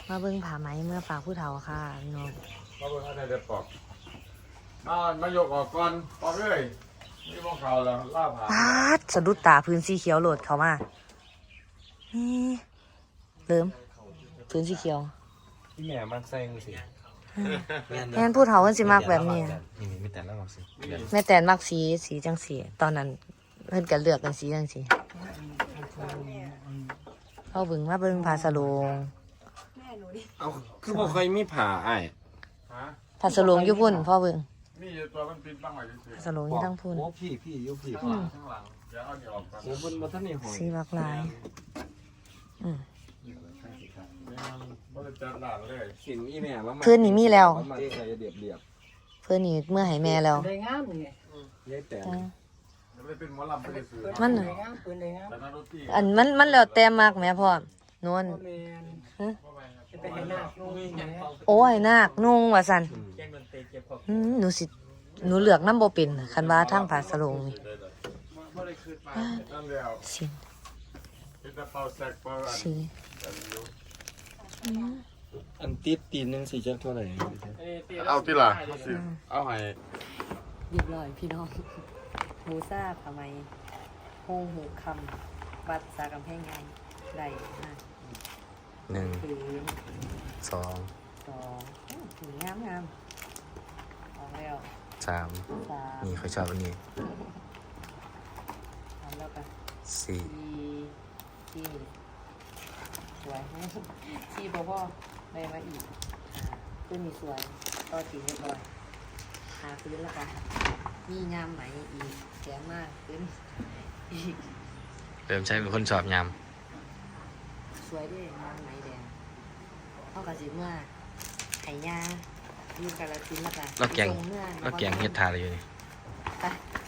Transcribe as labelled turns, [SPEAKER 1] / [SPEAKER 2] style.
[SPEAKER 1] มาเบิ่งผ้าไหมเมื่อฝากผู้เฒ่าค่ะพี่น้อง
[SPEAKER 2] มาเบิ่งอะไรเด็ดปอกมายกออกก่อนปอกเลยนี่มองเขาแล้วล่าผ่า
[SPEAKER 1] ปาดสะดุดตาพื้นสีเขียวโหลดเข้ามานี่เริ่มพื้นสีเขียว
[SPEAKER 3] ที่แม่มักใส่มือสิ
[SPEAKER 1] แม่นผู้เฒ่าเพิ่นสิมักแบบนี้
[SPEAKER 3] นี่ไม่แต่แล้วหรอกสิ
[SPEAKER 1] แม่แต่นมักสีจังสีตอนนั้นเพิ่นก็เลือกกันสีจังสีเอาเบิ่งมาเบิ่งผ้าสโลง
[SPEAKER 3] เอาคือบ่ค่อยมีผ้าอ้าย
[SPEAKER 1] ผ้าสโลงอยู่พุ่นพ่อเบิ่ง
[SPEAKER 2] มีอยู่ตัวมันปิดบ้างไว้ซื่อ
[SPEAKER 1] ผ้าสโลงอยู่ทั้งพุ่น
[SPEAKER 3] โอ้พี่อยู่พี่
[SPEAKER 2] ข้างหลังเดี๋ยวเอานี่ออกก่อน
[SPEAKER 3] โอ้บนบ่ทันได้หอย
[SPEAKER 1] สีบักลาย
[SPEAKER 2] บ่ได้จัดหลานเลย
[SPEAKER 3] สินอีแม่ว่า
[SPEAKER 1] เพื่อนนี่มีแล้ว
[SPEAKER 3] มาใส่เรียบ
[SPEAKER 1] เพื่อนนี่เมื่อให้แม่แล้ว
[SPEAKER 4] ได้งามนี่
[SPEAKER 3] ๆยายแต่
[SPEAKER 2] จะไปเป็นหมอลำไปซื้อ
[SPEAKER 1] มัน
[SPEAKER 4] ได้งามปืนได้งาม
[SPEAKER 2] แต่นักดนตรี
[SPEAKER 1] อันมันแล้วแต่มากแม่พ่อนวล
[SPEAKER 4] แม่นจะไปให้นาคนุ่งแม่
[SPEAKER 1] โอ้ยนาคนุ่งว่าซั่น
[SPEAKER 4] แจ้งดนตรีเก็บของ
[SPEAKER 1] หนูเลือกน้ำบ่เป็นคันว่าทางผ้าสโลงนี่
[SPEAKER 2] บ่ได้คืนมานั่นแล้ว
[SPEAKER 1] สิ
[SPEAKER 2] เป็นตะเป่าแซกเป่าอัน
[SPEAKER 1] สี
[SPEAKER 3] อันติดตีนนึงสิจักเท่าไหร่
[SPEAKER 2] เอาที่ล่ะเอาให้
[SPEAKER 1] เรียบร้อยพี่น้องหมูซ่าทำไมโฮงหูคำวัดสากำแพงใหญ่ได้มา
[SPEAKER 3] 1
[SPEAKER 1] พื้น
[SPEAKER 3] 2
[SPEAKER 1] สองถึงงามออกแล้ว
[SPEAKER 3] 3
[SPEAKER 1] สาม
[SPEAKER 3] นี่เขาชอบอันนี้
[SPEAKER 1] ทำแล้วกัน
[SPEAKER 3] 4
[SPEAKER 1] ที่สวยที่พ่อได้มาอีกพื้นมีสวยต่อตีเรียบร้อยหาพื้นแล้วกันมีงามไหมอีกแสนมากพื้นอีก
[SPEAKER 3] เริ่มใช้เป็นคนชอบยาม
[SPEAKER 1] สวยด้วยงามไหมแดงเข้ากับสิเมื่อไห่ยาอยู่กันละทิ้นแล้วกัน
[SPEAKER 3] แล้วแกงเฮ็ดทาเลยอยู่นี่
[SPEAKER 1] ไป